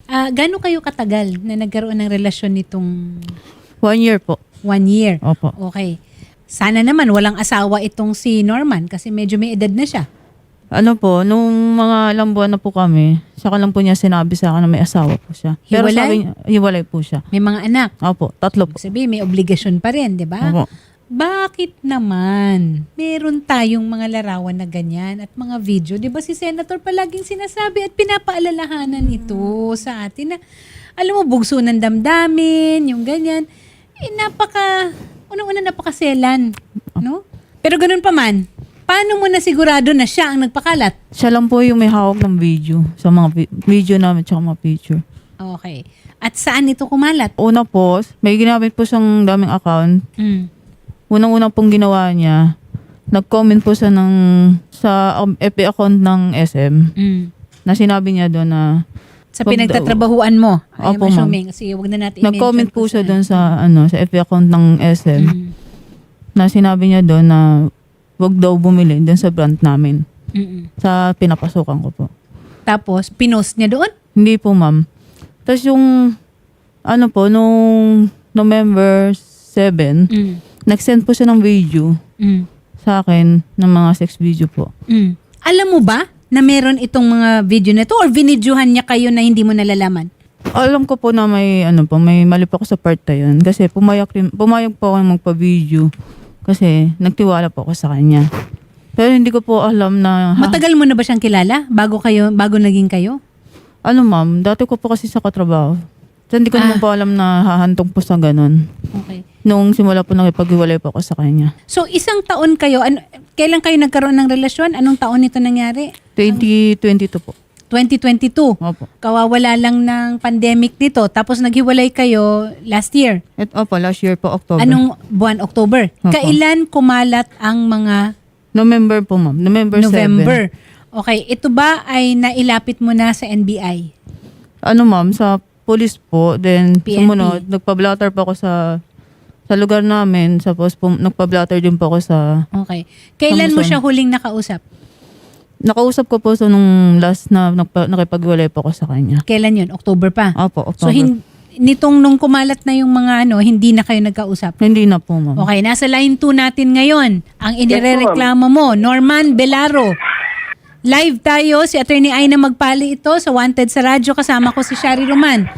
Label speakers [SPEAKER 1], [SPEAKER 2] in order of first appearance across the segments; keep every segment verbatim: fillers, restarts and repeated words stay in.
[SPEAKER 1] Ah, gaano kayo katagal na nagkaroon ng relasyon nitong
[SPEAKER 2] One year po.
[SPEAKER 1] one year?
[SPEAKER 2] Opo.
[SPEAKER 1] Okay. Sana naman walang asawa itong si Norman kasi medyo may edad na siya.
[SPEAKER 2] Ano po, nung mga ilang buwan na po kami, saka lang po niya sinabi sa akin na may asawa po siya. Pero
[SPEAKER 1] Hiwalay?
[SPEAKER 2] sabi niya, hiwalay po siya.
[SPEAKER 1] May mga anak.
[SPEAKER 2] Opo, tatlo po.
[SPEAKER 1] Sabi, may obligasyon pa rin, di ba?
[SPEAKER 2] Opo.
[SPEAKER 1] Bakit naman meron tayong mga larawan na ganyan at mga video? Di ba si Senator palaging sinasabi at pinapaalalahanan ito sa atin na alam mo, bugso ng damdamin, yung ganyan. Eh, napaka, unang-una napakaselan, no? Pero ganun pa man, paano mo na sigurado na siya ang nagpakalat?
[SPEAKER 2] Siya lang po yung may hawak ng video. Sa mga vi- video namin tsaka mga picture.
[SPEAKER 1] Okay. At saan ito kumalat?
[SPEAKER 2] Una po, may ginamit po siyang daming account.
[SPEAKER 1] Mm.
[SPEAKER 2] Unang-unang pong ginawa niya, nag-comment po siya ng, sa um, F B account ng S M
[SPEAKER 1] Mm.
[SPEAKER 2] na sinabi niya doon na
[SPEAKER 1] Sa
[SPEAKER 2] wag
[SPEAKER 1] pinagtatrabahuan mo. I'm
[SPEAKER 2] Opo,
[SPEAKER 1] assuming. Sige, wag na natin i-mention
[SPEAKER 2] nag-comment po
[SPEAKER 1] kung
[SPEAKER 2] siya
[SPEAKER 1] saan.
[SPEAKER 2] doon sa ano sa F B account ng S M
[SPEAKER 1] Mm.
[SPEAKER 2] na sinabi niya doon na wag daw bumili doon sa brand namin
[SPEAKER 1] Mm-mm.
[SPEAKER 2] sa pinapasukan ko po.
[SPEAKER 1] Tapos, pinost niya doon?
[SPEAKER 2] Hindi po, ma'am. Tapos yung ano po nung November seventh,
[SPEAKER 1] Mm.
[SPEAKER 2] nag-send po siya ng video
[SPEAKER 1] Mm.
[SPEAKER 2] sa akin ng mga sex video po.
[SPEAKER 1] Mm. Alam mo ba na meron itong mga video na ito or vinidyohan niya kayo na hindi mo nalalaman?
[SPEAKER 2] Alam ko po na may ano po, may mali po ako sa part na yun kasi pumayag rin, pumayag po ako magpa-video kasi nagtiwala po ako sa kanya. Pero hindi ko po alam na ha,
[SPEAKER 1] Matagal mo na ba siyang kilala bago kayo bago naging kayo?
[SPEAKER 2] ano ma'am, dati ko po kasi sa katrabaho. So, hindi ko
[SPEAKER 1] Ah.
[SPEAKER 2] naman po alam na hahantong po sa ganun.
[SPEAKER 1] Okay.
[SPEAKER 2] Nung simula po nakipag-iwalay po ako sa kanya.
[SPEAKER 1] So, isang taon kayo, ano, kailan kayo nagkaroon ng relasyon? Anong taon ito nangyari?
[SPEAKER 2] twenty twenty-two po.
[SPEAKER 1] twenty twenty-two.
[SPEAKER 2] Opo.
[SPEAKER 1] Kawawala lang ng pandemic dito. Tapos naghiwalay kayo last year.
[SPEAKER 2] Et, opo, last year po, October.
[SPEAKER 1] Anong buwan? October.
[SPEAKER 2] Opo.
[SPEAKER 1] Kailan kumalat ang mga
[SPEAKER 2] November po ma'am. November,
[SPEAKER 1] November?
[SPEAKER 2] seven.
[SPEAKER 1] Okay. Ito ba ay nailapit mo na sa N B I?
[SPEAKER 2] Ano ma'am, sa police po. Then
[SPEAKER 1] P N P.
[SPEAKER 2] sumunod, nagpa-blotter po ako sa sa lugar namin. Tapos po, nagpa-blotter din po ako sa...
[SPEAKER 1] Okay. Kailan mo
[SPEAKER 2] Kamusta?
[SPEAKER 1] siya huling nakausap?
[SPEAKER 2] Nakausap ko po so nung last na nagpa, nakipag-iwalay po ako sa kanya.
[SPEAKER 1] Kailan yun? October pa?
[SPEAKER 2] Opo,
[SPEAKER 1] So,
[SPEAKER 2] October.
[SPEAKER 1] hin- nitong nung kumalat na yung mga ano, hindi na kayo nagkausap?
[SPEAKER 2] Hindi na po ma'am.
[SPEAKER 1] Okay, nasa line two natin ngayon. Ang inirereklamo mo, Norman Belaro. Live tayo, si Attorney Aina Magpali ito sa Wanted sa Radyo. Kasama ko si Shari Roman.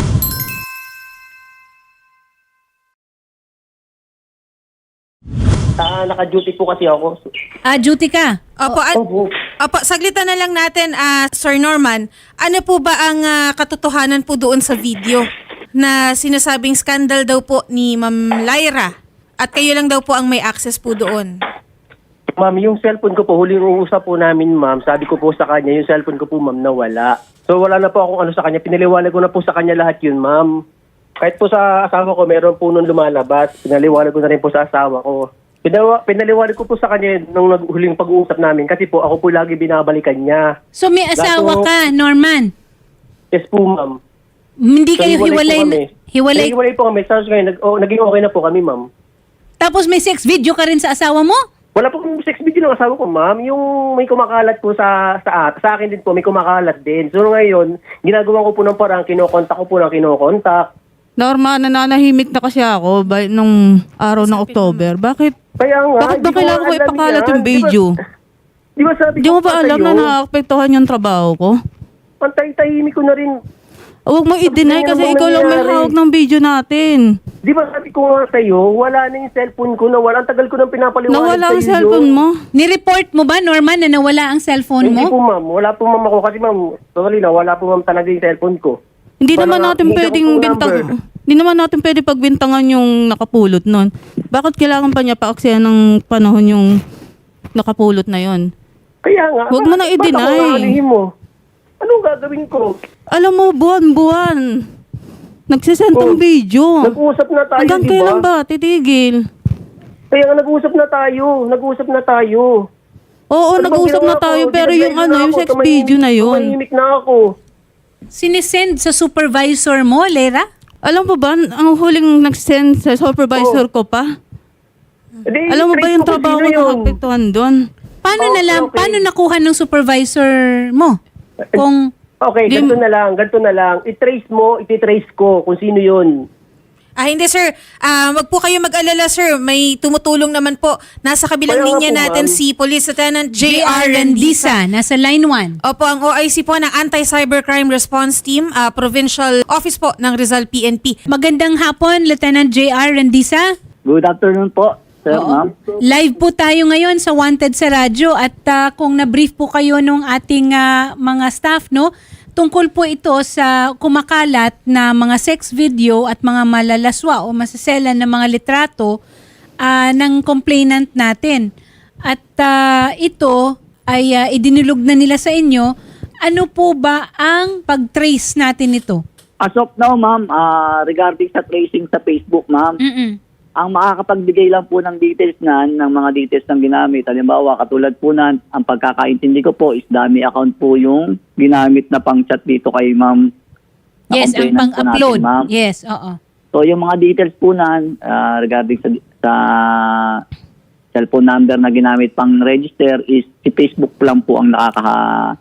[SPEAKER 3] Ah, naka-duty po kasi ako.
[SPEAKER 1] Ah, duty ka.
[SPEAKER 4] Opo, an-
[SPEAKER 3] Opo.
[SPEAKER 4] opo, saglitan na lang natin, ah, Sir Norman. Ano po ba ang ah, katotohanan po doon sa video na sinasabing scandal daw po ni Ma'am Lyra at kayo lang daw po ang may access po doon?
[SPEAKER 3] Ma'am, yung cellphone ko po, huling uusap po namin, ma'am. Sabi ko po sa kanya, yung cellphone ko po, ma'am, nawala. So, wala na po akong ano sa kanya. Pinaliwanag ko na po sa kanya lahat yun, ma'am. Kahit po sa asawa ko, meron po nung lumalabas. Pinaliwanag ko na rin po sa asawa ko. Pinawa, pinaliwanag ko po sa kanya nung nag- huling pag-uusap namin kasi po ako po lagi binabalikan niya.
[SPEAKER 1] So, may asawa
[SPEAKER 3] Lahat po-
[SPEAKER 1] ka, Norman.
[SPEAKER 3] Yes po, ma'am.
[SPEAKER 1] Hindi
[SPEAKER 3] So,
[SPEAKER 1] kayo
[SPEAKER 3] hiwalay po
[SPEAKER 1] hiwalay.
[SPEAKER 3] kami.
[SPEAKER 1] Hiwalay.
[SPEAKER 3] Hiwalay po kami. Tapos ngayon, nag, oh, naging okay na po kami, ma'am.
[SPEAKER 1] Tapos may sex video ka rin sa asawa mo?
[SPEAKER 3] Wala po kong sex video ng asawa ko, ma'am. Yung may kumakalat po sa, sa sa akin din po, may kumakalat din. So ngayon, ginagawa ko po ng parang kinokontak ko po ng kinokontak.
[SPEAKER 2] Norma, nananahimik na kasi ako by, nung araw ng October. Bakit?
[SPEAKER 3] Kaya nga,
[SPEAKER 2] Bakit ba
[SPEAKER 3] di ko
[SPEAKER 2] kailangan ko
[SPEAKER 3] alam
[SPEAKER 2] ipakalat
[SPEAKER 3] yan.
[SPEAKER 2] yung video?
[SPEAKER 3] Di ba, di ba sabi
[SPEAKER 2] Di
[SPEAKER 3] ko
[SPEAKER 2] mo ba
[SPEAKER 3] pa
[SPEAKER 2] alam
[SPEAKER 3] sa'yo,
[SPEAKER 2] na naapektuhan yung trabaho ko?
[SPEAKER 3] Pantay-tahimik ko na rin.
[SPEAKER 2] Huwag mo i-deny
[SPEAKER 3] Sabi
[SPEAKER 2] kasi
[SPEAKER 3] mo
[SPEAKER 2] ikaw lang may
[SPEAKER 3] nangyari.
[SPEAKER 2] hawak ng video natin.
[SPEAKER 3] Di ba sabi ko nga sa'yo, wala na yung cellphone ko, nawala. Ang tagal ko nang pinapaliwanag
[SPEAKER 2] Nawala ang
[SPEAKER 3] sa'yo
[SPEAKER 2] cellphone
[SPEAKER 3] yun.
[SPEAKER 2] mo.
[SPEAKER 1] Ni-report mo ba, Norman, na nawala ang cellphone
[SPEAKER 3] Hindi
[SPEAKER 1] mo?
[SPEAKER 3] po, ma'am. Wala po, ma'am, ako. Kasi, ma'am, sorry na, wala po, ma'am, talaga yung cellphone ko.
[SPEAKER 2] Hindi
[SPEAKER 3] Wala
[SPEAKER 2] naman
[SPEAKER 3] nga,
[SPEAKER 2] natin
[SPEAKER 3] hindi
[SPEAKER 2] pwedeng
[SPEAKER 3] ako po
[SPEAKER 2] bintang...
[SPEAKER 3] number.
[SPEAKER 2] Hindi naman natin pwede pagbintangan yung nakapulot nun. Bakit kailangan pa niya paaksaya ng panahon yung nakapulot na yon?
[SPEAKER 3] Kaya nga.
[SPEAKER 2] Huwag mo na
[SPEAKER 3] bakit-
[SPEAKER 2] i-deny.
[SPEAKER 3] Ba't ako aanihin mo? Anong gagawin ko?
[SPEAKER 2] Alam mo, buwan-buwan. Nagsisend ng
[SPEAKER 3] Oh,
[SPEAKER 2] video.
[SPEAKER 3] Nag-uusap na tayo,
[SPEAKER 2] Hanggang
[SPEAKER 3] di
[SPEAKER 2] kailan
[SPEAKER 3] ba?
[SPEAKER 2] ba? Titigil.
[SPEAKER 3] Kaya nga nag-uusap na tayo. Nag-uusap na tayo.
[SPEAKER 2] Oo,
[SPEAKER 3] Ano bang
[SPEAKER 2] nag-usap na
[SPEAKER 3] ginawa
[SPEAKER 2] tayo.
[SPEAKER 3] ko?
[SPEAKER 2] Pero yung
[SPEAKER 3] Dinadrive
[SPEAKER 2] ano,
[SPEAKER 3] na
[SPEAKER 2] yung
[SPEAKER 3] ako,
[SPEAKER 2] sex
[SPEAKER 3] tumahimik-
[SPEAKER 2] video na yun.
[SPEAKER 3] Tumahimik na ako.
[SPEAKER 1] Sinisend sa supervisor mo, Lera?
[SPEAKER 2] Alam mo ba, ang huling nag-send sa supervisor ko pa?
[SPEAKER 3] Di,
[SPEAKER 2] Alam mo ba
[SPEAKER 3] trace
[SPEAKER 2] yung
[SPEAKER 3] ko kung
[SPEAKER 2] trabaho
[SPEAKER 3] sino
[SPEAKER 2] ko
[SPEAKER 3] yun.
[SPEAKER 2] nakapektuhan doon?
[SPEAKER 1] Paano
[SPEAKER 3] Oh,
[SPEAKER 1] nalam,
[SPEAKER 3] okay.
[SPEAKER 1] paano nakuha ng supervisor mo? Kung
[SPEAKER 3] Okay,
[SPEAKER 2] Di-
[SPEAKER 3] ganito na lang, ganito na lang. I-trace mo, iti-trace ko kung sino yun.
[SPEAKER 4] Ah, hindi sir. Ah, wag po kayo mag-alala sir. May tumutulong naman po. Nasa kabilang
[SPEAKER 3] Kaya nga
[SPEAKER 4] linya
[SPEAKER 3] po,
[SPEAKER 4] natin
[SPEAKER 3] ma'am.
[SPEAKER 4] si Police Lieutenant J
[SPEAKER 1] J R
[SPEAKER 4] R Rendisa.
[SPEAKER 1] Rendisa, nasa line one.
[SPEAKER 4] Opo, ang O I C po ng Anti-Cybercrime Response Team, ah, Provincial Office po ng Rizal P N P.
[SPEAKER 1] Magandang hapon, Lieutenant J R Rendisa.
[SPEAKER 5] Good afternoon po, sir, ma'am.
[SPEAKER 1] Live po tayo ngayon sa Wanted sa radyo at ah, kung na-brief po kayo nung ating ah, mga staff, no, tungkol po ito sa kumakalat na mga sex video at mga malalaswa o masaselan na mga litrato ah, ng complainant natin. At ah, ito ay ah, idinulog na nila sa inyo. Ano po ba ang pag-trace natin ito?
[SPEAKER 5] As of now, ma'am, ah, regarding sa tracing sa Facebook, ma'am,
[SPEAKER 1] Mm-mm.
[SPEAKER 5] ang makakapagbigay lang po ng details na ng mga details ng ginamit. Halimbawa, katulad po na, ang pagkakaintindi ko po is dummy account po yung ginamit na pang-chat dito kay ma'am. na
[SPEAKER 1] Yes, ang
[SPEAKER 5] complainant po
[SPEAKER 1] pang-upload.
[SPEAKER 5] natin, ma'am.
[SPEAKER 1] Yes, oo.
[SPEAKER 5] So, yung mga details po na ah, regarding sa, sa cellphone number na ginamit pang-register is si Facebook lang po ang nakaka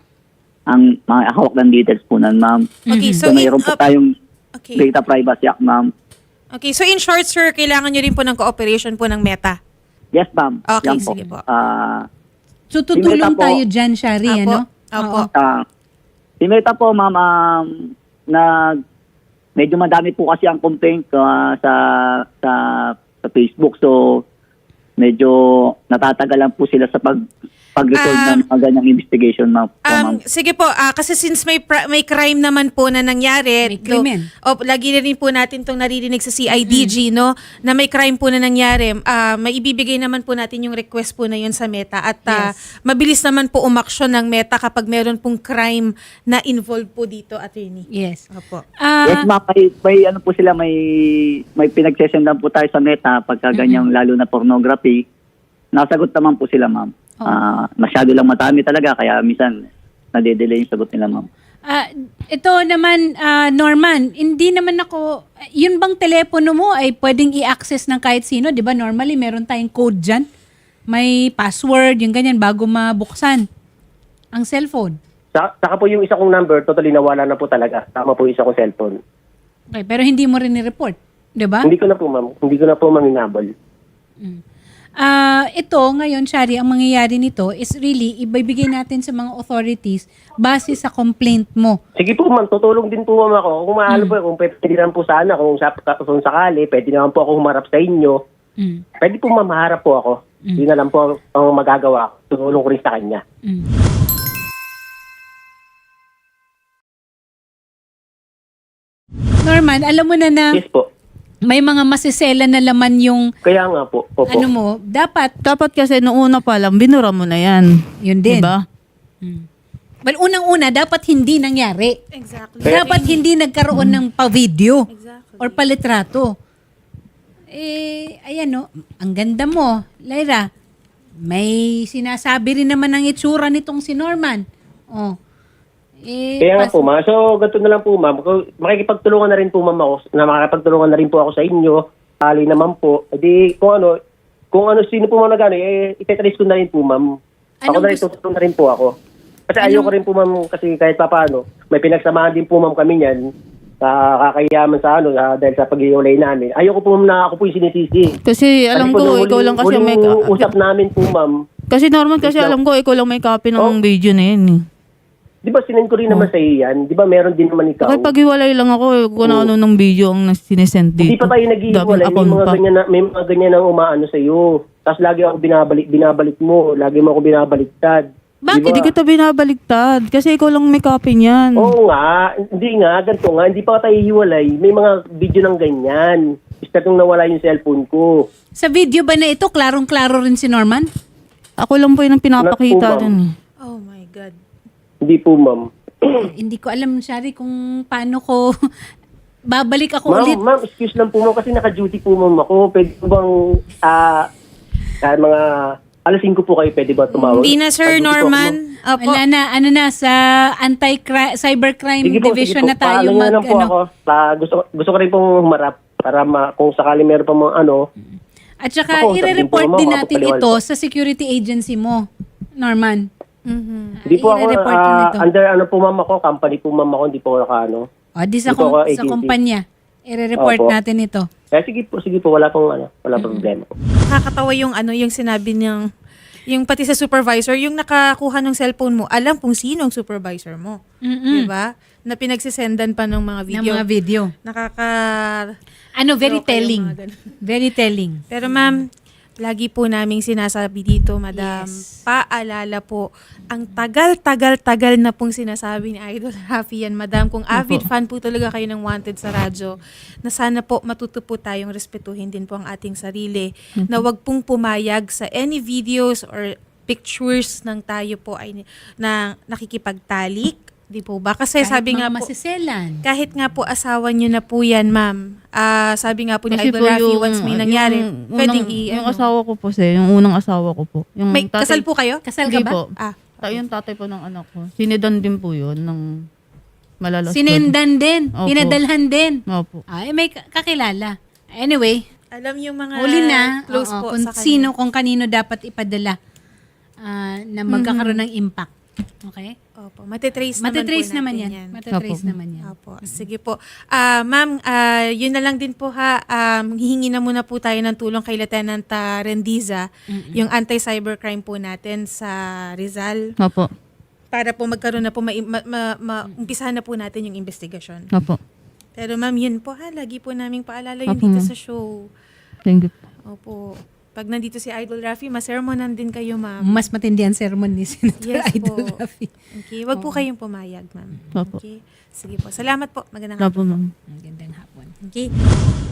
[SPEAKER 5] ang mga hawak ng details po nan, ma'am.
[SPEAKER 4] Okay,
[SPEAKER 5] So,
[SPEAKER 4] so, in,
[SPEAKER 5] mayroon po
[SPEAKER 4] uh,
[SPEAKER 5] tayong
[SPEAKER 4] okay.
[SPEAKER 5] Data Privacy Act, ma'am.
[SPEAKER 4] Okay, so in short sir, kailangan nyo rin po ng cooperation po ng Meta.
[SPEAKER 5] Yes, ma'am.
[SPEAKER 4] Okay,
[SPEAKER 5] Yan
[SPEAKER 4] sige po.
[SPEAKER 5] Ah,
[SPEAKER 1] So tutulong
[SPEAKER 5] Simeta po.
[SPEAKER 1] tayo dyan, Shari,
[SPEAKER 4] Apo.
[SPEAKER 1] ano?
[SPEAKER 4] Apo.
[SPEAKER 1] Oo.
[SPEAKER 5] ah, si Meta po, ma'am, um, na medyo madami po kasi ang complaint ah, sa, sa sa Facebook. So, medyo natatagalan po sila sa pag pag-resolve
[SPEAKER 4] Um,
[SPEAKER 5] ng mga ganyang investigation, ma'am. po,
[SPEAKER 4] Um,
[SPEAKER 5] ma'am.
[SPEAKER 4] sige po, ah, kasi since may pra- may crime naman po na nangyari,
[SPEAKER 1] May krimen.
[SPEAKER 4] o lagi na rin po natin tong naririnig sa C I D G, no, na may crime po na nangyari, ah, maibibigay naman po natin yung request po na yun sa Meta at ah,
[SPEAKER 1] Yes.
[SPEAKER 4] mabilis naman po umaksyon ng Meta kapag meron pong crime na involved po dito, attorney.
[SPEAKER 1] Yes.
[SPEAKER 4] Opo.
[SPEAKER 1] Ah,
[SPEAKER 5] Yes, ma'am. May, may ano po sila, may may pinagsesendan po tayo sa Meta pagka ganyang lalo na pornography. Nasagot naman po sila, ma'am.
[SPEAKER 1] Oh.
[SPEAKER 5] Ah, masyado lang matami talaga kaya minsan nade-delay yung sagot nila, ma'am.
[SPEAKER 1] ah, ito naman, ah, Norman, hindi naman ako, yun bang telepono mo ay pwedeng i-access ng kahit sino? Di ba normally meron tayong code dyan? May password, yung ganyan, bago mabuksan ang cellphone.
[SPEAKER 3] Sa, saka po yung isa kong number, totally nawala na po talaga. Tama po yung isa kong cellphone.
[SPEAKER 1] Okay, pero hindi mo rin ni-report, di ba?
[SPEAKER 3] Hindi ko na po, ma'am. Hindi ko na po maminabol.
[SPEAKER 1] Ah, ito ngayon, Shari, ang mangyayari nito is really ibibigay natin sa mga authorities base sa complaint mo.
[SPEAKER 3] Sige po, ma'am. Tutulong din po, ma'am, ako. Kung maaalo po, kung pwede naman po sana, kung, sa, kung sakali, pwede naman po ako humarap sa inyo.
[SPEAKER 1] Mm.
[SPEAKER 3] Pwede po, ma'am, maharap po ako. Hindi na lang po ang magagawa ko. Tutulong ko rin sa kanya.
[SPEAKER 1] Mm. Norman, alam mo na na
[SPEAKER 3] Yes po.
[SPEAKER 1] may mga masisela na laman yung
[SPEAKER 3] Kaya nga po. Opo.
[SPEAKER 1] ano mo, dapat
[SPEAKER 2] Dapat kasi noong una pa lang, binura mo na yan.
[SPEAKER 1] yun din.
[SPEAKER 2] Diba?
[SPEAKER 1] Well, unang-una, dapat hindi nangyari.
[SPEAKER 4] Exactly.
[SPEAKER 1] Dapat hindi nagkaroon ng pa-video
[SPEAKER 4] Exactly.
[SPEAKER 1] or palitrato. Eh, ayan no, ang ganda mo, Lyra. May sinasabi rin naman ng itsura nitong si Norman. Oh. Eh,
[SPEAKER 3] Kaya nga
[SPEAKER 1] pas-
[SPEAKER 3] po, ma'am. So, ganito na lang po, ma'am. Kung makikipagtulungan na rin po, ma'am, ako, na makikipagtulungan na rin po ako sa inyo. Ali naman po. E di, kung ano, kung ano, sino po, ma'am, na gano'n, eh, itetrace ko na rin po, ma'am. Ako
[SPEAKER 1] Anong
[SPEAKER 3] na rin,
[SPEAKER 1] gusto-
[SPEAKER 3] tutulong na rin po ako. Kasi
[SPEAKER 1] Anong-
[SPEAKER 3] ayoko rin po, ma'am, kasi kahit pa paano, may pinagsamahan din po, ma'am, kami niyan sa kakayaman sa ano, ah, dahil sa pag-iulay namin. Ayoko po, ma'am, na ako po yung sinisisi.
[SPEAKER 2] Kasi alam
[SPEAKER 3] po,
[SPEAKER 2] ko,
[SPEAKER 3] nung
[SPEAKER 2] ikaw
[SPEAKER 3] huling-
[SPEAKER 2] lang kasi
[SPEAKER 3] huling
[SPEAKER 2] may...
[SPEAKER 3] usap namin po, ma'am.
[SPEAKER 2] Kasi normal kasi
[SPEAKER 3] Ikaw-
[SPEAKER 2] alam ko, ikaw lang may copy ng
[SPEAKER 3] Oh.
[SPEAKER 2] video na yun. eh.
[SPEAKER 3] Di ba sinend ko rin naman sa iyo yan? Di ba meron din naman ikaw?
[SPEAKER 2] Bakit paghiwalay lang ako, eh, kung ano ng video ang sinesend dito.
[SPEAKER 3] Hindi pa tayo naghihiwalay. May
[SPEAKER 2] Daming
[SPEAKER 3] mga
[SPEAKER 2] account pa.
[SPEAKER 3] ganyan na, may mga ganyan na umaano sa iyo. Tapos lagi ako binabalik, binabalik mo. Lagi mo ako binabaliktad.
[SPEAKER 2] Bakit?
[SPEAKER 3] Di ba?
[SPEAKER 2] Hindi kita binabaliktad. Kasi ikaw lang may copy niyan.
[SPEAKER 3] Oo nga. Hindi nga. Ganito nga. Hindi pa tayo hiwalay. May mga video ng ganyan. Basta nung nawala yung cellphone ko.
[SPEAKER 1] Sa video ba na ito, klarong-klaro rin si Norman?
[SPEAKER 2] Ako lang po yun ang pinapakita
[SPEAKER 3] Not po,
[SPEAKER 2] dun. eh.
[SPEAKER 4] Oh my God.
[SPEAKER 3] Hindi po, ma'am.
[SPEAKER 1] Hindi ko alam, Shari, kung paano ko babalik ako
[SPEAKER 3] Ma'am,
[SPEAKER 1] ulit.
[SPEAKER 3] ma'am, excuse lang po, ma'am. Kasi naka-duty po, ma'am, ako. Pwede po bang, ah, ah, mga alas singko po kayo, pwede ba tumawag?
[SPEAKER 4] Hindi na Sir
[SPEAKER 3] Naka-duty po ako, ma'am.
[SPEAKER 4] Norman. Opo.
[SPEAKER 1] Wala na, ano na, sa anti-cybercrime
[SPEAKER 3] Sige po,
[SPEAKER 1] division
[SPEAKER 3] sige po.
[SPEAKER 1] na tayo
[SPEAKER 3] Paano
[SPEAKER 1] mag,
[SPEAKER 3] na lang po
[SPEAKER 1] ano.
[SPEAKER 3] ako. Ah, gusto, gusto ko rin pong humarap para ma, kung sakali meron pa mga ano.
[SPEAKER 1] At saka,
[SPEAKER 3] Ako,
[SPEAKER 1] i-report
[SPEAKER 3] sabihin po,
[SPEAKER 1] din
[SPEAKER 3] ma'am,
[SPEAKER 1] natin
[SPEAKER 3] makapaliwanag
[SPEAKER 1] ito
[SPEAKER 3] po.
[SPEAKER 1] sa security agency mo, Norman.
[SPEAKER 4] Mhm.
[SPEAKER 3] Hindi po ako,
[SPEAKER 1] I-report nyo
[SPEAKER 3] ah,
[SPEAKER 1] nito.
[SPEAKER 3] under ano po ma'am ako, company po ma'am ako, hindi po ako nakaano.
[SPEAKER 1] O, di sa,
[SPEAKER 3] Ito ako,
[SPEAKER 1] kom- sa
[SPEAKER 3] agency.
[SPEAKER 1] kumpanya. I-report
[SPEAKER 3] Opo.
[SPEAKER 1] natin ito.
[SPEAKER 3] Kaya sige po, sige po, wala pong ano, wala pong problema po.
[SPEAKER 4] Nakakatawa yung ano, yung sinabi niyang, yung pati sa supervisor, yung nakakuha ng cellphone mo, alam kung sino ang supervisor mo.
[SPEAKER 1] Mm-mm.
[SPEAKER 4] Di ba? Na pinagsisendan pa ng mga
[SPEAKER 1] Ng
[SPEAKER 4] video.
[SPEAKER 1] mga video.
[SPEAKER 4] Nakaka...
[SPEAKER 1] Ano, very
[SPEAKER 4] Loka yung
[SPEAKER 1] telling.
[SPEAKER 4] mga ganun.
[SPEAKER 1] Very telling.
[SPEAKER 4] Pero ma'am, lagi po naming sinasabi dito, madam,
[SPEAKER 1] Yes.
[SPEAKER 4] paalala po, ang tagal-tagal-tagal na pong sinasabi ni Idol Rafi yan, madam, kung avid fan po talaga kayo ng Wanted sa radyo, na sana po matuto po tayong respetuhin din po ang ating sarili, na wag pong pumayag sa any videos or pictures ng tayo po ay na nakikipagtalik, di po ba? Kasi
[SPEAKER 1] Kahit
[SPEAKER 4] sabi
[SPEAKER 1] mga
[SPEAKER 4] nga po,
[SPEAKER 1] masiselan.
[SPEAKER 4] kahit nga po asawa niyo na po yan, ma'am. Ah, sabi nga po ni
[SPEAKER 2] Kasi
[SPEAKER 4] Idol
[SPEAKER 2] po
[SPEAKER 4] Rafi,
[SPEAKER 2] yung-
[SPEAKER 4] once may nangyari,
[SPEAKER 2] yung
[SPEAKER 4] pwedeng
[SPEAKER 2] unang-
[SPEAKER 4] i-
[SPEAKER 2] Yung
[SPEAKER 4] ano.
[SPEAKER 2] asawa ko po, sir, yung unang asawa ko po. Yung
[SPEAKER 4] May
[SPEAKER 2] tatay-
[SPEAKER 4] kasal po kayo?
[SPEAKER 1] Kasal ka
[SPEAKER 2] Hindi
[SPEAKER 1] ba?
[SPEAKER 2] po.
[SPEAKER 4] Ah.
[SPEAKER 2] Ta- yung tatay po ng anak ko. Sinidan din po yun ng malalas.
[SPEAKER 1] Sinendan din.
[SPEAKER 2] Opo.
[SPEAKER 1] Pinadalhan din.
[SPEAKER 2] Opo.
[SPEAKER 1] Ay, may ka- kakilala. Anyway,
[SPEAKER 4] Alam yung mga
[SPEAKER 1] huli na
[SPEAKER 4] close
[SPEAKER 1] oo,
[SPEAKER 4] po
[SPEAKER 1] kung
[SPEAKER 4] sa kanya.
[SPEAKER 1] sino, kung kanino dapat ipadala ah, na magkakaroon ng impact. Okay?
[SPEAKER 4] Opo, matitrace,
[SPEAKER 1] Matitrace
[SPEAKER 4] naman
[SPEAKER 1] naman
[SPEAKER 4] po
[SPEAKER 1] yan.
[SPEAKER 4] natin yan.
[SPEAKER 1] Matitrace
[SPEAKER 2] Opo.
[SPEAKER 1] naman yan.
[SPEAKER 4] Opo, sige po. Ah, ma'am, ah, yun na lang din po ha. Um, hihingi na muna po tayo ng tulong kay Lieutenant ah, Rendiza, yung anti-cybercrime po natin sa Rizal,
[SPEAKER 2] Opo.
[SPEAKER 4] para po magkaroon na po, ma, ma, ma, ma- umpisahan na po natin yung investigasyon.
[SPEAKER 2] Opo.
[SPEAKER 4] Pero ma'am, yun po ha, lagi po naming paalala yun
[SPEAKER 2] Opo,
[SPEAKER 4] dito
[SPEAKER 2] ma'am.
[SPEAKER 4] sa show.
[SPEAKER 2] Thank you.
[SPEAKER 4] Opo. Pag nandito si Idol Rafi, masermonan din kayo, ma'am.
[SPEAKER 1] Mas matindi ang sermon ni Senator
[SPEAKER 4] Yes
[SPEAKER 1] Idol
[SPEAKER 4] po.
[SPEAKER 1] Rafi.
[SPEAKER 4] Okay, wag po kayong pumayag, ma'am.
[SPEAKER 2] Opo.
[SPEAKER 4] Okay. Sige po. Salamat po. Magandang
[SPEAKER 2] Opo, ma'am.
[SPEAKER 1] Ang gandang hapon.
[SPEAKER 4] Okay.